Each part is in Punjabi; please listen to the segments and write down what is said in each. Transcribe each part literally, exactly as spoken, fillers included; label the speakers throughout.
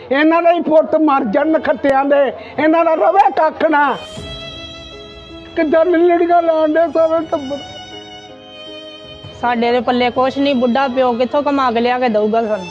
Speaker 1: ਇਹਨਾਂ ਦੇ ਹੀ ਪੁੱਤ ਮਰ ਜਾਣ ਖੱਤਿਆਂ ਦੇ, ਇਹਨਾਂ ਦਾ ਰਵੇ ਕੱਖ ਨਾ। ਕਿੱਦਾਂ ਲੜੀਆਂ ਲਾਉਣ ਦੇ ਸਾਰੇ ਟੱਬਰ।
Speaker 2: ਸਾਡੇ ਦੇ ਪੱਲੇ ਕੁਛ ਨਹੀਂ, ਬੁੱਢਾ ਪਿਓ ਕਿੱਥੋਂ ਕਮਾ ਕੇ ਲਿਆ ਕੇ ਦਊਗਾ ਸਾਨੂੰ।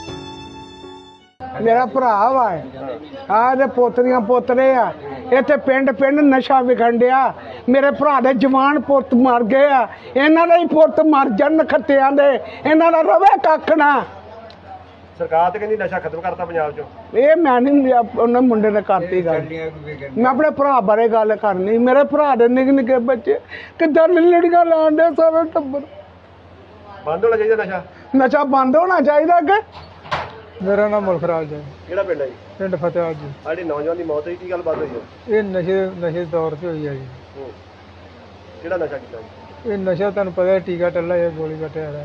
Speaker 1: ਮੇਰਾ ਭਰਾ ਵਾ ਆਹ ਦੇ ਪੋਤਰੀਆਂ ਪੋਤਰੇ ਆ, ਇੱਥੇ ਪਿੰਡ ਪਿੰਡ ਨਸ਼ਾ ਵਿਖਣ ਡਿਆ। ਮੇਰੇ ਭਰਾ ਦੇ ਜਵਾਨ ਪੁੱਤ ਮਰ ਗਏ ਆ, ਇਹਨਾਂ ਦੇ ਹੀ ਪੁੱਤ ਮਰ ਜਾਣ ਖੱਤਿਆਂ ਦੇ, ਇਹਨਾਂ ਦਾ ਰਵੇ ਕੱਖ ਨਾ।
Speaker 3: ਸਰਕਾਰ ਤੇ ਕਹਿੰਦੀ ਨਸ਼ਾ ਖਤਮ ਕਰਤਾ ਪੰਜਾਬ ਚੋਂ।
Speaker 1: ਇਹ ਮੈਂ ਨਹੀਂ ਉਹਨਾਂ ਮੁੰਡੇ ਨੇ ਕਰਤੀ ਗੱਲ, ਮੈਂ ਆਪਣੇ ਭਰਾ ਬਾਰੇ ਗੱਲ ਕਰਨੀ। ਮੇਰੇ ਭਰਾ ਦੇ ਨਿੱਕੇ ਨਿੱਕੇ ਬੱਚੇ ਕਿੱਦਾਂ ਲੜੀਆਂ ਲਾਉਣ ਦੇ ਸਾਰੇ ਟੱਬਰ।
Speaker 3: ਬੰਦ ਹੋਣਾ ਚਾਹੀਦਾ ਨਸ਼ਾ।
Speaker 1: ਨਸ਼ਾ ਬੰਦ ਹੋਣਾ ਚਾਹੀਦਾ ਕਿ।
Speaker 4: ਮੇਰਾ ਨਾਮ ਮੁਲਖਰਾਜ ਹੈ।
Speaker 3: ਕਿਹੜਾ ਪਿੰਡ ਹੈ ਜੀ?
Speaker 4: ਪਿੰਡ ਫਤਿਆਬਾਦ ਜੀ।
Speaker 3: ਆੜੀ ਨੌਜਵਾਨ ਦੀ ਮੌਤ ਹੋਈ, ਕੀ ਗੱਲ ਬਾਤ ਹੋਈ ਹੈ?
Speaker 4: ਇਹ ਨਸ਼ੇ ਨਸ਼ੇ ਦੌਰ 'ਤੇ ਹੋਈ ਹੈ ਜੀ।
Speaker 3: ਹੂੰ। ਕਿਹੜਾ ਨਸ਼ਾ ਕੀਤਾ ਜੀ?
Speaker 4: ਇਹ ਨਸ਼ਾ ਤੁਹਾਨੂੰ ਪਤਾ ਹੈ, ਟੀਕਾ ਟੱਲਾ ਹੈ, ਗੋਲੀ ਕੱਟਿਆ ਹੈ।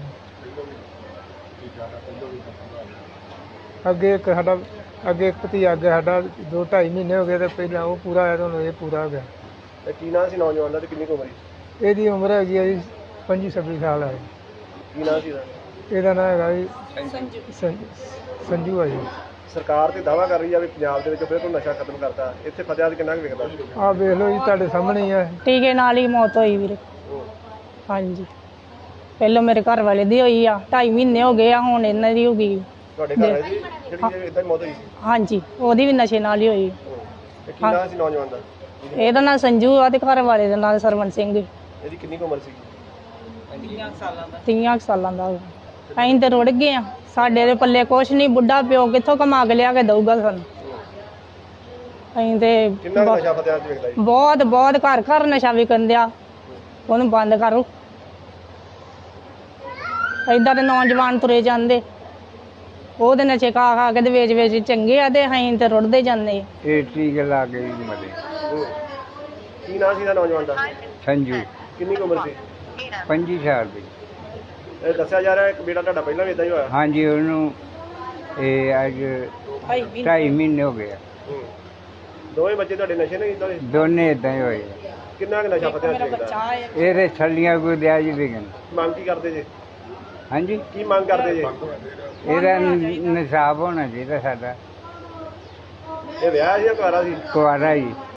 Speaker 4: ਅੱਗੇ ਇੱਕ ਸਾਡਾ ਅੱਗੇ ਇੱਕ ਭਤੀਜਾ ਅੱਗੇ ਸਾਡਾ ਦੋ ਢਾਈ ਮਹੀਨੇ ਹੋ ਗਏ ਤੇ ਪਹਿਲਾਂ ਉਹ ਪੂਰਾ ਹੋਇਆ, ਤੁਹਾਨੂੰ ਇਹ ਪੂਰਾ ਹੋ ਗਿਆ।
Speaker 3: ਤੇ ਕੀ ਨਾਂ ਸੀ ਨੌਜਵਾਨ ਦਾ ਤੇ ਕਿੰਨੀ ਕੁ ਉਮਰ ਸੀ?
Speaker 4: ਇਹਦੀ ਉਮਰ ਹੈਗੀ ਹੈ ਜੀ ਪੰਜੀ ਛੱਬੀ ਸਾਲ ਹੈ।
Speaker 3: ਕੀ ਨਾਂ ਸੀ ਇਹਦਾ?
Speaker 4: ਇਹਦਾ ਨਾਂ ਹੈਗਾ ਜੀ ਸੰਜੂ ਸੰਜੂ ਹੈ ਜੀ।
Speaker 3: ਸਰਕਾਰ ਤੇ ਦਾਅਵਾ ਕਰ ਰਹੀ ਆ ਵੀ ਪੰਜਾਬ ਦੇ ਵਿੱਚ ਫਿਰ ਤੋਂ ਨਸ਼ਾ ਖਤਮ ਕਰਤਾ। ਇੱਥੇ ਫਤਿਆਦ ਕਿੰਨਾ ਕੁ ਵਿਕਦਾ?
Speaker 4: ਆਹ ਵੇਖ ਲਓ ਜੀ, ਤੁਹਾਡੇ ਸਾਹਮਣੇ ਹੀ ਹੈ।
Speaker 2: ਟੀਕੇ ਨਾਲ ਹੀ ਮੌਤ ਹੋਈ ਵੀਰੇ। ਹਾਂਜੀ, ਪਹਿਲਾਂ ਮੇਰੇ ਘਰ ਵਾਲੇ ਦੀ ਹੋਈ ਆ, ਢਾਈ ਮਹੀਨੇ ਹੋ ਗਏ ਆ, ਹੁਣ ਇਹਨਾਂ ਦੀ ਹੋ ਗਈ।
Speaker 3: ਤੁਹਾਡੇ ਘਰ ਹੈ ਜੀ ਜਿਹੜੀ ਇਦਾਂ ਹੀ ਮੌਤ ਹੋਈ ਸੀ?
Speaker 2: ਹਾਂਜੀ, ਉਹਦੀ ਵੀ ਨਸ਼ੇ ਨਾਲ ਹੀ ਹੋਈ।
Speaker 3: ਤੇ ਕੀ ਨਾਂ ਸੀ ਨੌਜਵਾਨ ਦਾ?
Speaker 2: ਇਹਦਾ ਨਾਂ ਸੰਜੂ ਆ ਤੇ ਘਰ ਵਾਲੇ ਦਾ ਨਾਂ ਸਰਵਨ ਸਿੰਘ।
Speaker 3: ਇਹਦੀ ਕਿੰਨੀ ਕੁ ਉਮਰ ਸੀ?
Speaker 2: ਤੀਆਂ ਕੁ ਸਾਲਾਂ ਦਾ। ਅਸੀਂ ਤੇ ਰੁੜ ਗਏ ਆ, ਸਾਡੇ ਦੇ ਪੱਲੇ ਕੁਛ ਨਹੀਂ, ਬੁੱਢਾ ਪਿਓ ਕਿੱਥੋਂ ਕਮਾ ਕੇ ਲਿਆ ਕੇ ਦਊਗਾ ਸਾਨੂੰ। ਅਸੀਂ ਤੇ
Speaker 3: ਕਿੰਨਾ ਕੁ ਨਸ਼ਾ ਫਤਿਆਦ 'ਚ ਵਿਕਦਾ ਜੀ?
Speaker 2: ਬਹੁਤ ਬਹੁਤ ਘਰ ਘਰ ਨਸ਼ਾ ਵਿਕਣ ਦਿਆ, ਉਹਨੂੰ ਬੰਦ ਕਰੋ। ਏਦਾਂ ਦੇ ਨੌਜਵਾਨ ਤੁਰੇ ਜਾਂਦੇ, ਉਹਦੇ ਨਸ਼ੇ ਖਾ ਖਾ ਕੇ ਤੇ ਵੇਚ ਵੇਚ ਚੰਗੇ ਆ, ਤੇ ਅਸੀਂ ਤੇ ਰੁੜਦੇ ਜਾਂਦੇ।
Speaker 5: ਇਹ ਟੀਕੇ ਲਾ ਕੇ ਹੀ ਮਰੇ।
Speaker 3: ਹੂੰ। ਕੀ ਨਾਂ ਸੀ ਇਹਦਾ ਨੌਜਵਾਨ ਦਾ?
Speaker 5: ਸੰਜੂ
Speaker 3: ਕਿੰਨੀ ਕੁ ਉਮਰ ਸੀ?
Speaker 5: ਪੰਜੀ ਸਾਲ ਦੀ।
Speaker 3: ਇਹ ਦੱਸਿਆ ਜਾ ਰਿਹਾ ਇੱਕ ਬੇਟਾ ਤੁਹਾਡਾ ਪਹਿਲਾਂ ਵੀ ਇਦਾਂ ਹੀ ਹੋਇਆ।
Speaker 5: ਹਾਂਜੀ, ਉਹਨੂੰ ਇਹ ਅੱਜ ਢਾਈ ਮਹੀਨੇ ਹੋ ਗਏ ਆ।
Speaker 3: ਹੂੰ। ਦੋਵੇਂ ਬੱਚੇ ਤੁਹਾਡੇ ਨਸ਼ੇ ਨਹੀਂ ਕੀਤਾ?
Speaker 5: ਦੋਨੇ ਇਦਾਂ ਹੀ ਹੋਏ ਆ।
Speaker 3: ਕਿੰਨਾ ਕੁ ਨਸ਼ਾ ਫਤਿਆਦ 'ਚ ਵਿਕਦਾ?
Speaker 5: ਇਹਦੇ ਛੱਲੀਆਂ ਕੋਈ ਦਿਆ ਜੀ ਵਿਕਣ।
Speaker 3: ਮੰਗ ਕੀ ਕਰਦੇ ਜੇ?
Speaker 5: ਹਾਂਜੀ,
Speaker 3: ਕੀ ਮੰਗ ਕਰਦੇ ਜੇ?
Speaker 5: ਇਹਦਾ ਨਿਸ਼ਾਬ ਹੋਣਾ ਚਾਹੀਦਾ ਸਾਡਾ।
Speaker 3: ਇਹ ਵਿਆਹ ਸੀ ਜਾਂ ਕੁਆਰਾ ਸੀ?
Speaker 5: ਕੁਆਰਾ ਜੀ।